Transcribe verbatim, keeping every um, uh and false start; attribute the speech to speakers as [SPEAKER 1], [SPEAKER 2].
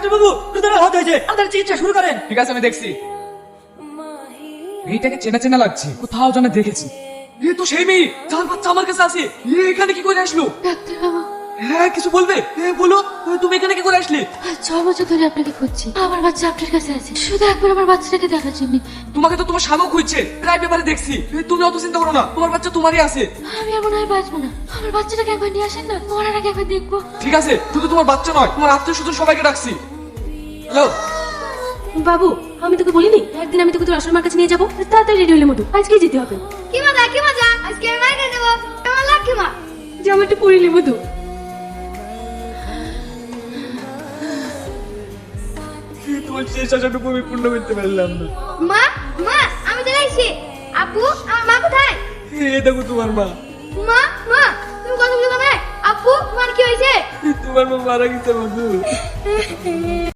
[SPEAKER 1] Doctor বাবু রুদ্রের হাত হয়েছে, আপনার চিকিৎসা শুরু করেন।
[SPEAKER 2] ঠিক আছে, আমি দেখছি। মেয়েটাকে চেনা চেনা লাগছে, কোথাও যেন দেখেছি। এ তো সেই মেয়ে যার বাচ্চা আমার কাছে আছে। এ এখানে কি করে আসলো?
[SPEAKER 3] ডাক্তার বাবু,
[SPEAKER 2] হ্যাঁ, কিছু বলবে? হ্যাঁ বলো, তুমি এখানে কি করে আসলে?
[SPEAKER 3] ছ বছর ধরে আপনাকে খুঁজছি, আমার বাচ্চা আপনার কাছে আছে, শুধু একবার আমার বাচ্চাটাকে দেখার জন্য।
[SPEAKER 2] তোমাকে তো তোমার স্বামীও খুঁজছে, প্রায় পেপারে দেখছি। এ, তুমি অত চিন্তা করো না, তোমার বাচ্চা তোমারই আছে।
[SPEAKER 3] আমি আর মনে হয় বাঁচবো না, আমার বাচ্চাটাকে একবার নিয়ে আসেন না, মরার আগে একবার দেখবো।
[SPEAKER 2] ঠিক আছে, শুধু তোমার বাচ্চা নয়, তোমার আত্মীয় স্বজন সবাইকে ডাকছি। হ্যালো
[SPEAKER 3] বাবু, আমি তোকে বলিনি একদিন আমি তোকে তোর আসল মার কাছে নিয়ে যাবো? তাড়াতাড়ি রেডি হলে মতো, আজকেই যেতে হবে।
[SPEAKER 4] কি মজা কি মজা, আজকে আমি মাইকে দেবো, আমার লাকি মা।
[SPEAKER 3] যে আমার একটু পড়িলি মধু।
[SPEAKER 2] তোমার শেষ আশাটুকু আমি পূর্ণ করতে পারলাম না।
[SPEAKER 4] মা মা আমি চলে এসেছি। আপু আমার মা কোথায়?
[SPEAKER 2] এ দেখো তোমার মা।
[SPEAKER 4] মা মা তুমি কথা বলছো না? আপু তোমার কি হয়েছে?
[SPEAKER 2] তোমার মা মারা গেছে বন্ধু।